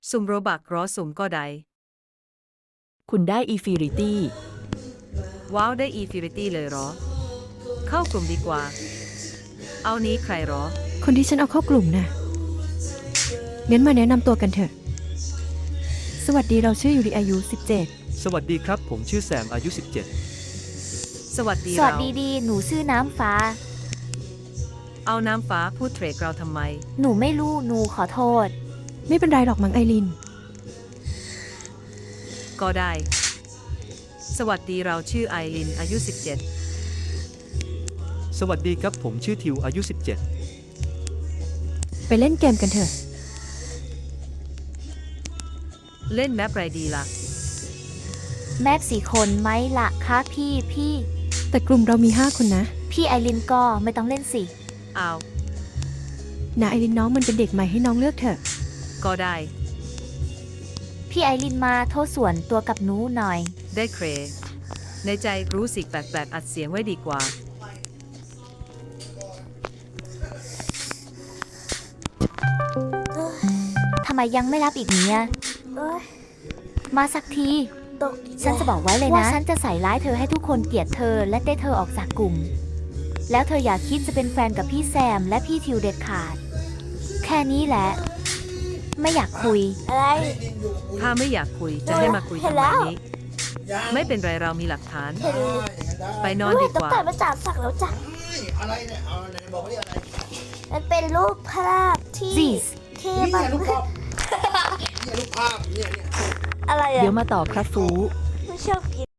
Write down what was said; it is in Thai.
สุ่มโรบักรอสุ่มก็ได้คุณได้อีฟิริตี้ว้าวได้อีฟิริตี้เลยเหรอ เข้ากลุ่มดีกว่า เอานี้ใครเหรอคนที่ฉันเอาเข้ากลุ่มน่ะงั้นมาแนะนำตัวกันเถอะ สวัสดีเราชื่อยูริอายุสวัสดีครับผมชื่อแซมอายุสวัสดีสวัสเราดีดีหนูชื่อน้ำฟ้าเอาน้ำฟ้าพูดเทรดเราทำไมหนูไม่รู้หนูขอโทษ 17 ไม่เป็นไรหรอกมั้งไอรินก็ได้ สวัสดีเราชื่อไอรินอายุ 17 สวัสดีครับผมชื่อทิวอายุไปเล่นเกมกันเถอะ 17 เล่นแมปไรดีล่ะแม่สี่คนไหมละคะพี่แต่กลุ่มเรามี 5 คนนะพี่ไอรินก็ไม่ต้องเล่นสิเอานะไอรินน้องมันเป็นเด็กใหม่ให้น้องเลือกเถอะก็ได้พี่ไอรินมาโทษส่วนตัวกับหนูหน่อยได้เคร ในใจรู้สึกแปลกๆอัดเสียงไว้ดีกว่าทำไมยังไม่รับอีกเนี่ยมาสักที ฉันจะบอกไว้เลยนะ ว่าฉันจะใส่ร้ายเธอให้ทุกคนเกลียดเธอและเต้เธอออกจากกลุ่ม แล้วเธออย่าคิดจะเป็นแฟนกับพี่แซมและพี่ทิวเด็ดขาด แค่นี้แหละ ไม่อยากคุยอะไรถ้าไม่อยากคุยจะให้มาคุยทำไมนี้ ไม่เป็นไรเรามีหลักฐานเห็นไปนอนดีกว่าต้องแต่มาจากสักแล้วจ้ะอะไรเนี่ย เอาไหนบอกว่าเรียกอะไรมันเป็นรูปภาพที่ This ที่นี่มันรูปภาพเนี่ยรูปภาพเนี่ยอะไรอะเดี๋ยวมาต่อครับฟูไม่ชอบกิน